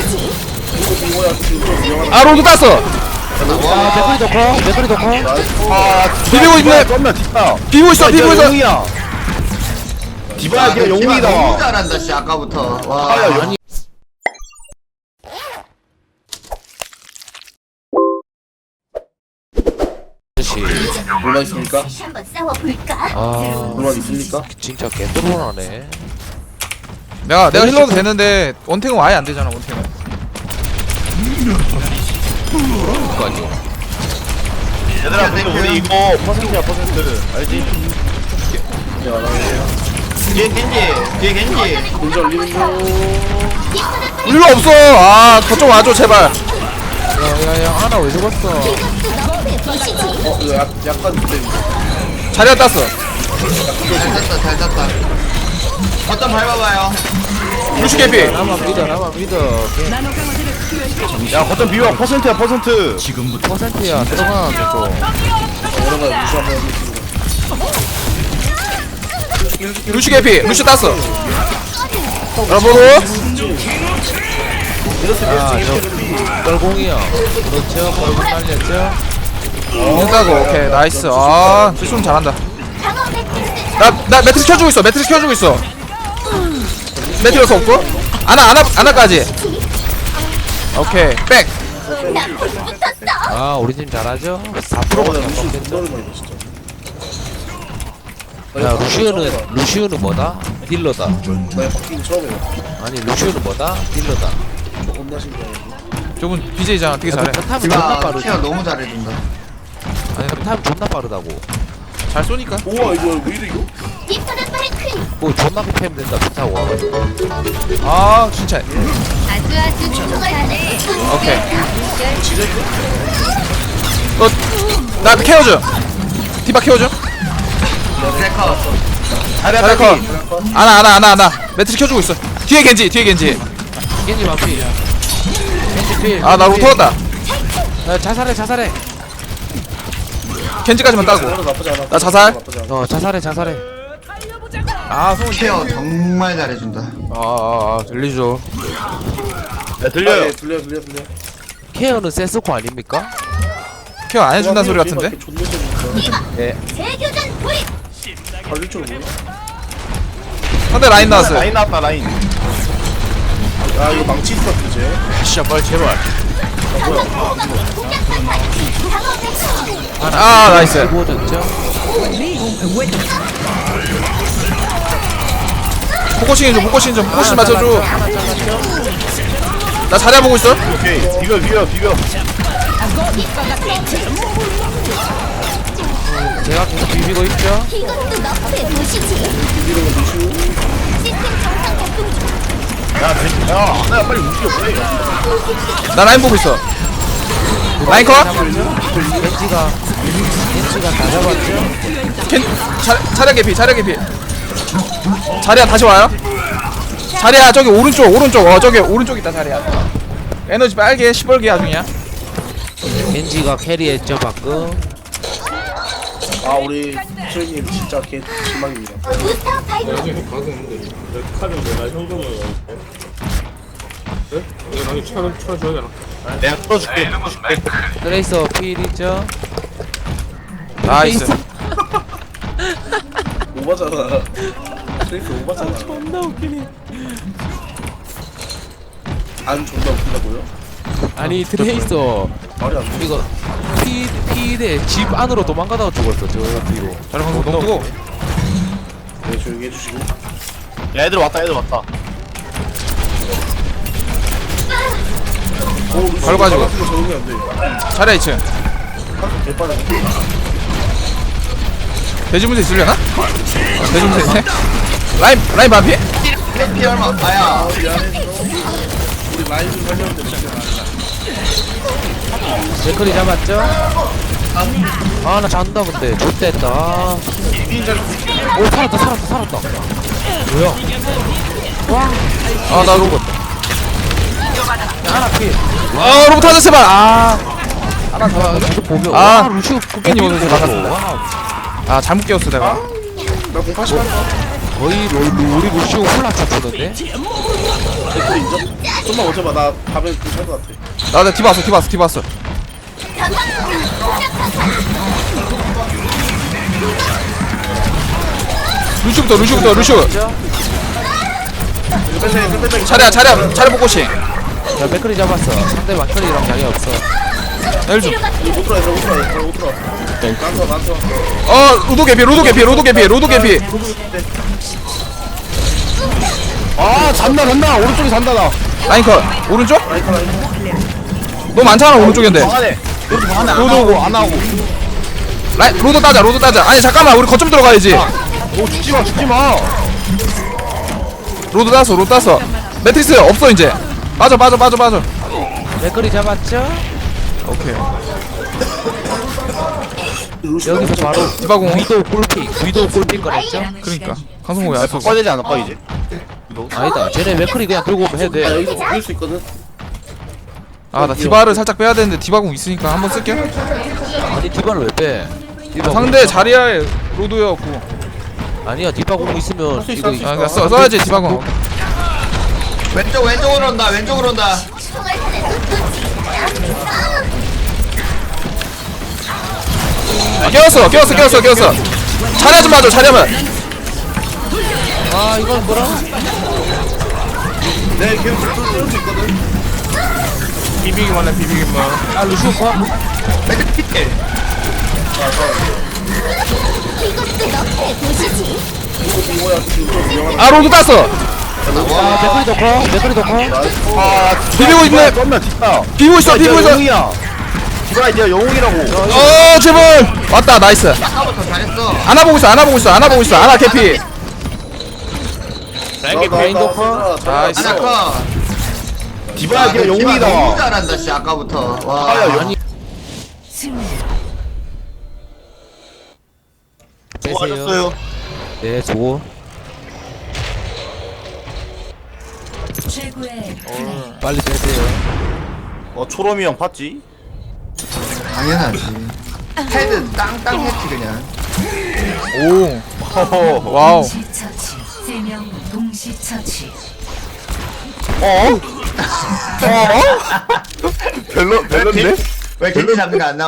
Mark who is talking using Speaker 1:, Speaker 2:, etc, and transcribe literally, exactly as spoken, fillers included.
Speaker 1: 아 로드 땄어.
Speaker 2: 와 맥거리 덕커 맥거리 덕커.
Speaker 3: 아
Speaker 1: 비비고 있네.
Speaker 3: 썸나 뒷다.
Speaker 1: 비비고 있어 비비고 있어.
Speaker 3: 영웅이야. 디바야 걔
Speaker 4: 너무
Speaker 3: 영웅이다.
Speaker 4: 잘한다 씨 아까부터. 와.
Speaker 3: 아야 영.
Speaker 2: 아저씨.
Speaker 3: 물만 있습니까?
Speaker 5: 한번 싸워볼까?
Speaker 2: 아
Speaker 3: 물만 있습니까?
Speaker 2: 진짜 개ጥ론하네.
Speaker 1: 내가 내가 힐러도 되는데 원탱은 아예 안 되잖아 원탱은.
Speaker 2: 그거 아니야.
Speaker 3: 얘들아 근데 우리 이거 퍼센트야 퍼센트 알지?
Speaker 4: 뒤에 겐지. 뒤에 겐지.
Speaker 3: 문제 올리는 거.
Speaker 1: 일로 없어. 아 더 좀 와줘 제발.
Speaker 2: 야야야 하나 왜 죽었어?
Speaker 3: 어 이거 약 약간 근데
Speaker 1: 자리가 땄어.
Speaker 4: 잘 tas다 잘 tas다. 어떤 밟아봐요.
Speaker 1: 루시 개피.
Speaker 2: 나만 믿어 나만 믿어.
Speaker 3: 야 거점 비워 퍼센트야 퍼센트.
Speaker 2: 퍼센트야 들어가 또.
Speaker 3: 이런 거 무시 한번
Speaker 1: 루시 개피. 루시 땄어. 여러분
Speaker 2: 아저 뻘공이요. 그렇죠. 뻘공 날렸죠.
Speaker 1: 된다고. 오케이 나이스. 아 수순 잘한다. 나 나 매트리스 켜주고 있어. 매트리스 켜주고 있어. 매트리스 없고 아나 아나 아나까지. 오케이 백.
Speaker 2: 아 우리 팀 잘하죠? 사 퍼센트가
Speaker 3: 나 무시
Speaker 2: 넘겠네.
Speaker 3: 너무 많이 진짜.
Speaker 2: 야 루시우는 루시우는 뭐다? 딜러다.
Speaker 3: 나 바뀐 처음에
Speaker 2: 아니 루시우는 뭐다? 딜러다.
Speaker 3: 겁나 신기해.
Speaker 1: 저분 비제이잖아. 되게 잘해.
Speaker 2: 탐이 존나
Speaker 4: 아
Speaker 2: 빠르지.
Speaker 4: 케어 너무 잘해준다.
Speaker 2: 아니 탐 존나 빠르다고.
Speaker 1: 잘 쏘니까.
Speaker 3: 우와 이거 왜 이래 이거?
Speaker 2: 뭐 존나 급하면 된다. 비타고 와가지고.
Speaker 1: 아 진짜.
Speaker 5: 아주 아주 좋아하네.
Speaker 1: 오케이. 어, 나 케어줘. 디바 케어줘.
Speaker 4: 트래커.
Speaker 1: 잘해 커. 아나 아나 아나 아나. 매트리 켜주고 있어. 뒤에 겐지 뒤에 겐지.
Speaker 2: 겐지 마피. 겐지 필.
Speaker 1: 아 나 로터 왔다.
Speaker 2: 야 자살해 자살해.
Speaker 1: 겐지까지만 따고.
Speaker 3: 나쁘지 않아.
Speaker 1: 나 자살.
Speaker 3: 나쁘지 않아.
Speaker 2: 어 자살해 자살해.
Speaker 1: 아 손.
Speaker 4: 케어 정말 잘해준다.
Speaker 1: 아아 아, 들리죠.
Speaker 3: 야 들려요. 들려 들려 들려.
Speaker 2: 케어는 세스코 아닙니까?
Speaker 1: 케어 안 해준다는 소리 같은데.
Speaker 3: 존나 재밌어.
Speaker 2: 예.
Speaker 5: 재교전 돌입.
Speaker 3: 걸릴 줄 모르.
Speaker 1: 상대 라인 나왔어요.
Speaker 3: 라인 나왔다 라인. 야 이거 망치 있어 이제.
Speaker 1: 진짜 빨리 제발. 아 나이스.
Speaker 2: 뭐졌죠?
Speaker 1: 포커싱 좀 포커싱 좀 포커싱 맞춰줘. 나 자리야 보고 있어.
Speaker 3: 오케이 비벼 비벼 비벼.
Speaker 2: 제가 계속 비비고 있죠?
Speaker 5: 이것도 너프의 도시지.
Speaker 3: 비비는 거 무시고.
Speaker 5: 시스템 정상 작동 중.
Speaker 3: 야 벤- 야 하나야 빨리 움직여 빨리.
Speaker 1: 나 라인 보고 있어. 라인 컷.
Speaker 2: 겐지가 겐지가 다 잡았죠?
Speaker 1: 겐 자, 자리야 개피 자리야 개피. 자리야 다시 와요. 자리야 저기 오른쪽 오른쪽 어 저기 오른쪽 있다 자리야. 에너지 빨개 시뻘게 아중이야.
Speaker 2: 겐지가 캐리했죠 방금.
Speaker 3: 아 우리 트레이님 진짜 개 실망입니다.
Speaker 5: 부스터 파이브.
Speaker 3: 내가 풀어줄게.
Speaker 2: 트레이서 필이죠?
Speaker 1: 나이스.
Speaker 3: 오바잖아. 트레이스 오바잖아.
Speaker 2: 존나 웃기네.
Speaker 3: 안 존나 웃긴다고요?
Speaker 2: 아니 트레이서
Speaker 3: 말이 안 돼.
Speaker 2: 이거 피 피대 집 안으로 도망가다가 죽었어 저 뒤로.
Speaker 1: 자리 방금 너무 뜨거.
Speaker 3: 네 조용히 해주시고. 야 애들 왔다 애들 왔다. 오 루시
Speaker 1: 걸어가지고.
Speaker 3: 같은 거 적응이 안 돼.
Speaker 1: 자리야 이 층.
Speaker 3: 개빠르네.
Speaker 1: 돼지문세 있으려나? 어, 돼지문세 있네. 라인 라인 반피?
Speaker 4: 피 얼마? 아야.
Speaker 3: 아 미안해. 우리 라인 좀 살렸는데 진짜.
Speaker 2: 맥커리 잡았죠? 아 나 잔다 근데 좋댔다. 아. 오 살았다 살았다 살았다. 뭐야? 와.
Speaker 1: 아나 로봇.
Speaker 2: 하나 필.
Speaker 1: 아 로봇 하자 제발. 아.
Speaker 2: 하나 더 계속 보면.
Speaker 1: 아,
Speaker 2: 와, 루시오
Speaker 1: 국회님 오늘 반갑습니다.
Speaker 2: 와우.
Speaker 1: 아 잘못 깨웠어 내가.
Speaker 3: 나 공파시 한다.
Speaker 2: 거의 로, 로, 우리 루시오 홀라 쳤었는데.
Speaker 3: 댓글 인정? 좀만 오져봐. 나 가면 괜찮을 것 같아.
Speaker 1: 나나 디바 왔어 디바 왔어 디바 왔어. 루슈부터 루슈부터 루슈.
Speaker 3: 이거 뺀다, 이거 뺀다.
Speaker 1: 차례야 차례야 차례 보고시.
Speaker 2: 야 맥크리 잡았어. 상대 막크리랑 자리 없어.
Speaker 1: 일 좀.
Speaker 3: 이거 못 들어, 이거 못 들어, 이거 못 들어. 나한테 와, 나한테 와.
Speaker 1: 어 로도 개피 로도 개피 로도 개피 로도 개피.
Speaker 3: 아, 잔다, 잔다. 오른쪽에 잔다, 나.
Speaker 1: 라인 컷. 오른쪽?
Speaker 3: 라이터, 라이터.
Speaker 1: 너무 많잖아 오른쪽인데.
Speaker 3: 방 안에. 여기 방 안에 안
Speaker 1: 로드
Speaker 3: 나오고,
Speaker 1: 오고.
Speaker 3: 안 나오고.
Speaker 1: 라인 로드 따자 로드 따자. 아니 잠깐만 우리 거점 들어가야지.
Speaker 3: 오, 죽지 마, 죽지 마.
Speaker 1: 로드 땄어 로드 땄어. 매트리스 없어 이제. 빠져 빠져 빠져 빠져.
Speaker 2: 맥크리 잡았죠?
Speaker 1: 오케이.
Speaker 2: 여기서 바로
Speaker 1: 디바공.
Speaker 2: 위도 골픽 위도 골픽 꺼냈죠?
Speaker 1: 그러니까 강성호 왜안 쏘고.
Speaker 3: 바꿔야 되지 않을까, 이제?
Speaker 2: 아니다. 쟤네 맥크리 그냥 들고 오면 해도
Speaker 3: 아,
Speaker 2: 돼.
Speaker 3: 여기서 이길 수 있거든.
Speaker 1: 아나 디바를 살짝 빼야 되는데 디바공 있으니까 한번 쓸게.
Speaker 2: 아니 디바를 왜 빼? 디바
Speaker 1: 상대 자리야에 로드였고.
Speaker 2: 아니야 디바 공 있으면
Speaker 3: 수 있어,
Speaker 2: 이거
Speaker 3: 할수 있어.
Speaker 1: 아 그러니까 써, 써야지 디바공.
Speaker 4: 왼쪽 왼쪽으로 온다 왼쪽으로 온다.
Speaker 1: 깨웠어 깨웠어 깨웠어 깨웠어. 자리야 좀 봐줘 자리야만.
Speaker 2: 아 이건 뭐라?
Speaker 3: 내 계속 쏠수 있거든.
Speaker 1: 비비기만 해 비비기만.
Speaker 2: 아 루시오 컷?
Speaker 5: 이것도 너의 도시지.
Speaker 3: 이거야, 지금 좀 위험하다.
Speaker 1: 아 로드 땄어.
Speaker 2: 아 맥크리 더 커? 맥크리 더 커?
Speaker 3: 아,
Speaker 1: 비비고 있네.
Speaker 3: 썸나 뒷다.
Speaker 1: 비비고 있어 비비고 있어.
Speaker 3: 영웅이야. 디바 이제 영웅이라고.
Speaker 1: 어 제발. 왔다 나이스.
Speaker 4: 아까부터 잘했어.
Speaker 1: 안아보고 있어 안아보고 있어 안아보고 있어 안아 개피.
Speaker 3: 나,
Speaker 2: 개인
Speaker 3: 나,
Speaker 2: 도커?
Speaker 3: 나, 나,
Speaker 1: 나이스.
Speaker 3: 나,
Speaker 4: 하나 커.
Speaker 3: 디바야,
Speaker 4: 야,
Speaker 3: 걔 영웅이다.
Speaker 4: 너무 잘한다 씨 아까부터. 와.
Speaker 3: 아, 야,
Speaker 2: 아니 빼세요.
Speaker 3: 수고하셨어요.
Speaker 2: 네 좋고. 빨리 빼세요.
Speaker 3: 어, 초롬이 형 봤지?
Speaker 4: 당연하지. 헤드 땅땅 했지 그냥.
Speaker 1: 오
Speaker 3: 허허.
Speaker 1: 와우.
Speaker 6: 동시처치 세명 동시처치
Speaker 3: 어? 어? 별로, 별론데?
Speaker 4: 왜 겐지 잡는 거 안 나와?